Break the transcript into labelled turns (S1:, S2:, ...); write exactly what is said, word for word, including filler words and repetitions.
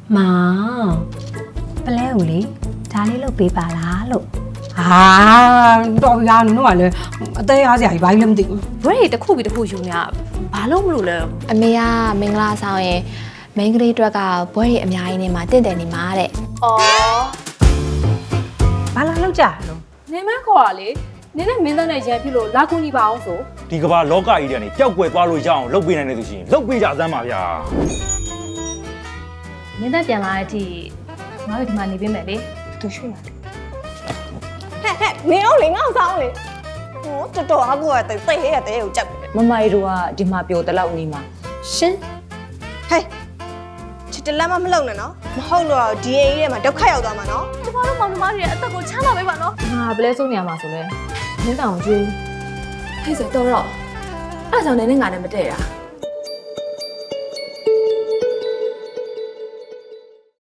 S1: မောင်ပလဲဦးလေဒါလေးလုပ်ပေးပါလားလို့ဟာတော်ပြီလားနင်တို့ကလည်းအသေးအားစရာကြီးဘာကြီးလည်းမသိဘူး
S2: ဘွဲတွေတစ်ခုပြီးတစ်ခုယူနေတာဘာလို့မလို့လဲ
S3: အမေကမင်္ဂလာဆောင်ရင်မိန်းကလေးအတွက်ကဘွဲတွေအများကြီးနေမှာတင့်တယ်နေမှာတဲ့
S2: ။အော်
S1: ဘာလာလောက်ကြလို့
S2: နေမခေါ်ရလေနင်းနဲ့မင်းသားနဲ့ရန်ဖြစ်လို့လာကူညီပါအောင်ဆို
S4: ဒီကဘာလောကကြီးတွေကနေပျောက်ကွယ်သွားလို့ရအောင်လုပ်ပေးနိုင်တဲ့သူရှိရင်လုပ်ပေးကြစမ်းပါဗျာ
S2: မင်းသားပြန်လာတဲ့အထိငါတို့ဒီမှာနေပေးမယ်လေသူရွှေ့လာတယ်
S5: ဟဲ့ဟဲ့မင်းအောင်လေငေါ့ဆောင်လေဟိုတော်တော်အကူကတိတ်ဟဲ့ရတဲ့ကိုကြောက်တယ်
S6: မမိုင်တို့ကဒီမှာပျော်တလောက်နေမှာ
S5: ရှင်ဟဲ့ချစ်တလက်မမလုံနဲ့နော်မဟုတ်တော့ဒီအိမ်ကြီးထဲမှာဒုက္ခရောက်သွားမှာနော်
S2: ကျမတို့မောင်နှမတွေရဲ့အသက်ကိုချမ်းသာပေးပါနော်
S6: ငါဘလဲဆုံးနေရမှာဆိုလဲမင်းတောင်ကျွေး
S2: ဟဲ့ဆိုတော့တော့အဲ့ဒါကြောင့်နင်းနဲ့ငါနဲ့မတည့်တာ